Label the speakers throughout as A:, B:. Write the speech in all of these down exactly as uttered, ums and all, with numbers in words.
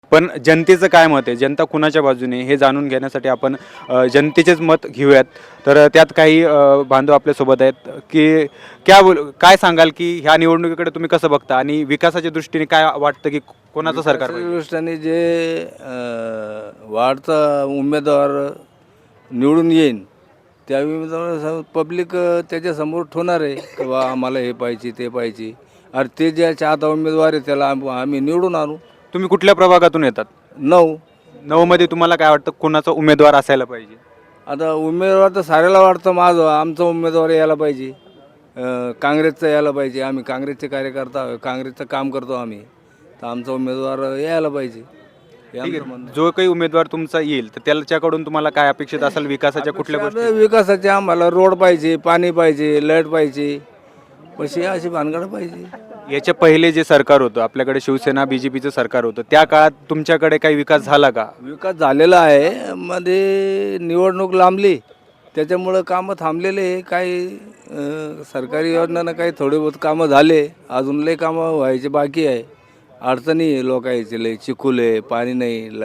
A: पण जनतेचं काय मत आहे, जनता कुणाच्या बाजूने हे जाणून घेण्यासाठी आपण अ, जनतेचेच मत घेऊयात. तर त्यात काही अ, बांधव आपल्यासोबत आहेत की क्या बोल काय सांगाल की ह्या निवडणुकीकडे तुम्ही कसं बघता आणि विकासाच्या दृष्टीने काय वाटतं की कोणाचं सरकार
B: विकासाच्या
A: पाहिजे?
B: दृष्टीने जे अ, वाढता उमेदवार निवडून येईन त्या उमेदवार पब्लिक त्याच्यासमोर ठेवणार आहे की बा आम्हाला हे पाहिजे ते पाहिजे. अरे ते ज्याच्या आता उमेदवार आहे त्याला आम- आम्ही निवडून आणू.
A: तुम्ही कुठल्या प्रभागातून येतात?
B: नऊ.
A: नऊ मध्ये तुम्हाला काय वाटतं कोणाचा उमेदवार असायला पाहिजे?
B: आता उमेदवार तर साऱ्याला वाटतं माझं आमचा उमेदवार यायला पाहिजे. अ, काँग्रेसचा यायला पाहिजे. आम्ही काँग्रेसचे कार्यकर्ता आहोत. काँग्रेसचं काम करतो आम्ही. तर आमचा उमेदवार यायला पाहिजे हे
A: ठीक
B: आमचं म्हणणं
A: आहे,
B: आहे.
A: जो काही उमेदवार तुमचा येईल तर त्याच्याकडून तुम्हाला काय अपेक्षित असेल विकासाच्या कुठल्या
B: आता
A: गोष्टी?
B: विकासाचे आम्हाला रोड पाहिजे, पाणी पाहिजे, लाईट पाहिजे, पैसे अशी भानगड पाहिजे.
A: याच्या पहिले जे सरकार होतं आपल्याकडे शिवसेना बीजेपीचं सरकार होतं त्या काळात तुमच्याकडे काही विकास झाला का?
B: विकास झालेला आहे. मध्ये निवडणूक लांबली त्याच्यामुळं कामं थांबलेले आहे. काही अ, सरकारी योजनानं काही थोडे बहुत कामं झाले. अजून लय कामं व्हायचे बाकी आहे. अडचणी आहे लोकांचे लय. चिखल आहे, पाणी नाही. ल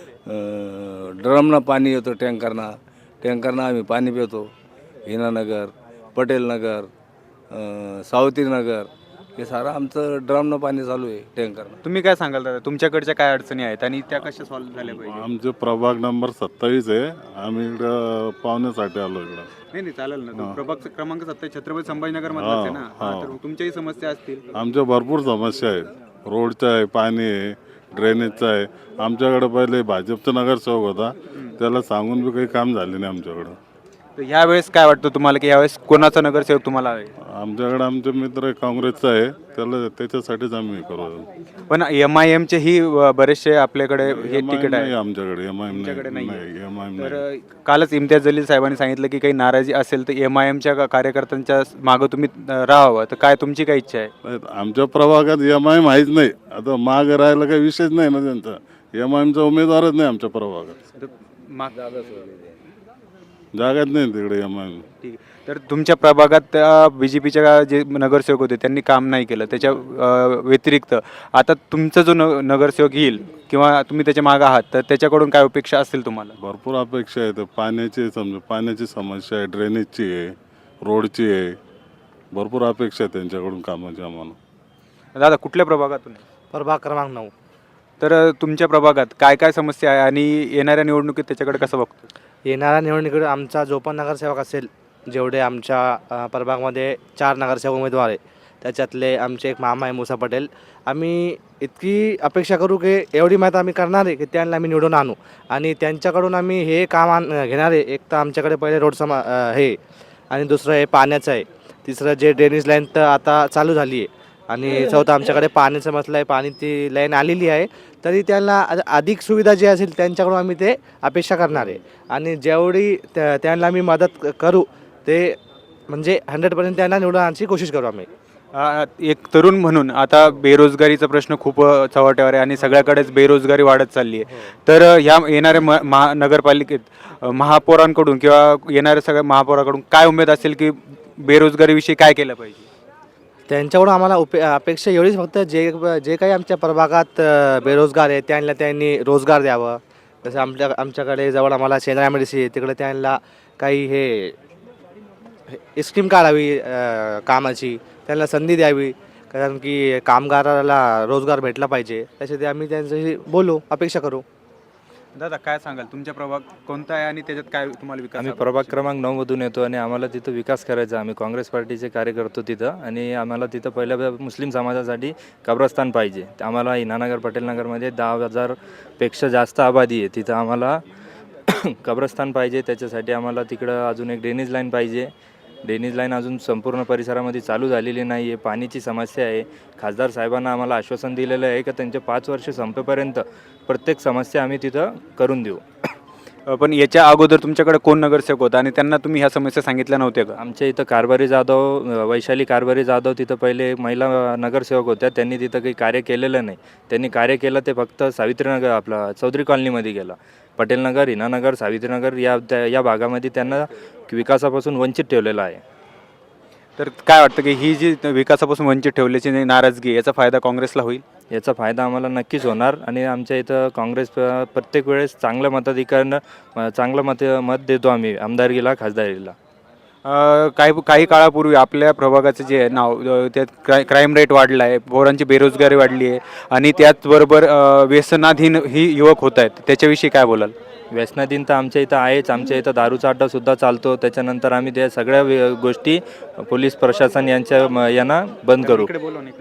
B: ड्रमनं पाणी येतं टँकरनं. टँकरनं आम्ही पाणी पितो. हिनानगर, पटेलनगर, अ, सावतीनगर हे सारं आमचं ड्रमनं पाणी चालू आहे टँकरनं.
A: तुम्ही काय सांगाल दादा तुमच्याकडच्या काय अडचणी आहेत आणि त्या कशा सॉल्व्ह झाल्या पाहिजे?
C: आमचे प्रभाग नंबर सत्तावीस आहे. आम्ही इकडं पाहुण्यासाठी आलो इकडं.
A: नाही नाही चालेल ना, तो प्रभाग क्रमांक सत्तावीस छत्रपती संभाजीनगर
C: हा,
A: मधलाच आहे ना. हा,
C: हा.
A: तर तुमच्याही समस्या असतील.
C: आमच्या भरपूर समस्या आहेत. रोडच्या आहे, पाणी आहे, ड्रेनेजचं आहे. आमच्याकडे पहिले भाजपचा नगरसेवक होता, त्याला सांगून बी काही काम झाले नाही आमच्याकडं.
A: तर यावेळेस काय वाटतं तुम्हाला की यावेळेस कोणाचा नगरसेवक तुम्हाला आहे?
C: आमच्याकडे आमचे मित्र काँग्रेसचा आहे, त्याला त्याच्यासाठीच आम्ही करू.
A: पण एम आय एमचे ही अ, बरेचसे आपल्याकडे हे
C: एम आय
A: तिकीट
C: नाही
A: आहे.
C: आमच्याकडे एम आय
A: तुमच्याकडे
C: नाही
A: नाहीये.
C: एम आय
A: तर
C: नाही.
A: अ, कालच इम्तियाज जलील साहेबांनी सांगितलं की काही नाराजी असेल तर एम आय एमच्या कार्यकर्त्यांच्या मागं तुम्ही अ, राहावं. तर काय तुमची काय इच्छा आहे?
C: नाही, आमच्या प्रभागात एम आय माहीत नाही. आता माग राहायला काही विषयच नाही ना त्यांचा. एम आय एमचा उमेदवारच नाही आमच्या प्रभागात.
A: तर माग
C: जागाच नाही तिकडे एम आय.
A: ठीक आहे. तर तुमच्या प्रभागात बीजेपीच्या जे नगरसेवक होते त्यांनी काम नाही केलं त्याच्या अ, व्यतिरिक्त आता तुमचा जो न नगरसेवक येईल किंवा तुम्ही त्याच्या मागे आहात तर त्याच्याकडून काय अपेक्षा असतील तुम्हाला?
C: भरपूर अपेक्षा आहेत. पाण्याची समजा पाण्याची समस्या आहे, ड्रेनेजची आहे, रोडची आहे. भरपूर अपेक्षा आहे त्यांच्याकडून कामाची आम्हाला.
A: दादा कुठल्या प्रभागातून आहे?
D: प्रभाग क्रमांक नऊ.
A: तर अ, तुमच्या प्रभागात काय काय समस्या आहे आणि येणाऱ्या निवडणुकीत त्याच्याकडे कसं बघतो?
D: येणाऱ्या निवडणुकीत आमचा जो पण नगरसेवक असेल, जेवढे आमच्या अ, प्रभागमध्ये चार नगरसेवक उमेदवार आहे त्याच्यातले आमचे एक मामा आहे मुसा पटेल. आम्ही इतकी अपेक्षा करू की एवढी माहिती आम्ही करणार आहे की त्यांना आम्ही निवडून आणू आणि त्यांच्याकडून आम्ही हे काम आण घेणार आहे. एक तर आमच्याकडे पहिले रोड समा अ, हे आणि दुसरं हे पाण्याचं आहे. तिसरं जे ड्रेनेज लाईन तर आता चालू झाली आहे आणि चौथं आमच्याकडे पाण्याचं मसलं आहे. पाणी ती लाईन आलेली आहे तरी त्यांना अ- अधिक सुविधा जी असेल त्यांच्याकडून आम्ही ते अपेक्षा करणार आहे आणि जेवढी त्या त्यांना आम्ही मदत क- करू ते म्हणजे हंड्रेड पर्सेंट त्यांना निवडून आणायची कोशिश करू आम्ही.
A: अ, एक तरुण म्हणून आता बेरोजगारीचा प्रश्न खूप अ, चव्हाट्यावर आहे आणि सगळ्याकडेच बेरोजगारी वाढत चालली आहे. तर अ, ह्या येणाऱ्या म महा नगरपालिकेत अ, महापौरांकडून किंवा येणाऱ्या सगळ्या महापौराकडून काय उमेद असेल की बेरोजगारीविषयी काय केलं पाहिजे?
D: त्यांच्याकडून आम्हाला उपे अपेक्षा एवढीच फक्त जे जे काही आमच्या प्रभागात अ, बेरोजगार आहे त्यांना त्यांनी रोजगार द्यावं. जसं आमच्या आमच्याकडे जवळ आम्हाला शेंद्रा मेडिसी आहे तिकडे त्यांना काही हे हे स्कीम काढावी अ, कामाची त्यांना संधी द्यावी कारण की कामगाराला रोजगार भेटला पाहिजे. त्यासाठी आम्ही त्यांच्याशी बोलू अपेक्षा करू.
A: दादा काय सांगाल तुमच्या प्रभाग कोणता आहे आणि त्याच्यात काय तुम्हाला विकास
E: आम्ही
A: हवा?
E: प्रभाग क्रमांक नऊमधून येतो आणि आम्हाला तिथं विकास करायचा. आम्ही काँग्रेस पार्टीचे कार्य करतो तिथं आणि आम्हाला तिथं पहिल्या मुस्लिम समाजासाठी कब्रस्तान पाहिजे. आम्हाला इनानगर पटेलनगरमध्ये दहा हजारपेक्षा जास्त आबादी आहे. तिथं आम्हाला कब्रस्तान पाहिजे. त्याच्यासाठी आम्हाला तिकडं अजून एक ड्रेनेज लाईन पाहिजे. ड्रेनेज लाईन अजून संपूर्ण परिसरामध्ये चालू झालेली नाही आहे. पाण्याची समस्या आहे. खासदार साहेबांना आम्हाला आश्वासन दिलेलं आहे की त्यांचे पाच वर्ष संपेपर्यंत प्रत्येक समस्या आम्ही तिथं करून देऊ.
A: अ, पण याच्या अगोदर तुमच्याकडे कोण नगरसेवक होता आणि त्यांना तुम्ही ह्या समस्या सांगितल्या नव्हत्या का?
E: आमच्या इथं कारभारी जाधव अ, वैशाली कारभारी जाधव तिथं पहिले महिला नगरसेवक होत्या. त्यांनी तिथं काही कार्य केलेलं नाही. त्यांनी कार्य केलं ते फक्त सावित्रीनगर आपला चौधरी कॉलनीमध्ये गेलं. पटेलनगर, हिनानगर, सावित्रीनगर या त्या या भागामध्ये त्यांना विकासापासून वंचित ठेवलेलं आहे.
A: तर काय वाटतं की ही जी विकासापासून वंचित ठेवल्याची नाराजगी याचा फायदा काँग्रेसला होईल?
E: याचा फायदा आम्हाला नक्कीच होणार आणि आमच्या इथं काँग्रेस प- प्रत्येक वेळेस चांगलं मताधिकानं चांगलं मत मत देतो आम्ही आमदारकीला खासदारीला.
A: अ, काही काही काळापूर्वी आपल्या प्रभागाचं जे आहे नाव अ, त्यात क्राय क्राईम रेट वाढला आहे, पोरांची बेरोजगारी वाढली आहे आणि त्याचबरोबर अ, व्यसनाधीन ही युवक होत आहेत, त्याच्याविषयी काय बोलाल?
E: व्यसनाधीन तर आमच्या इथं आहेच. आमच्या इथं दारूचा अड्डासुद्धा चालतो. त्याच्यानंतर आम्ही त्या सगळ्या वे- गोष्टी पोलीस प्रशासन यांच्या म- यांना बंद करू.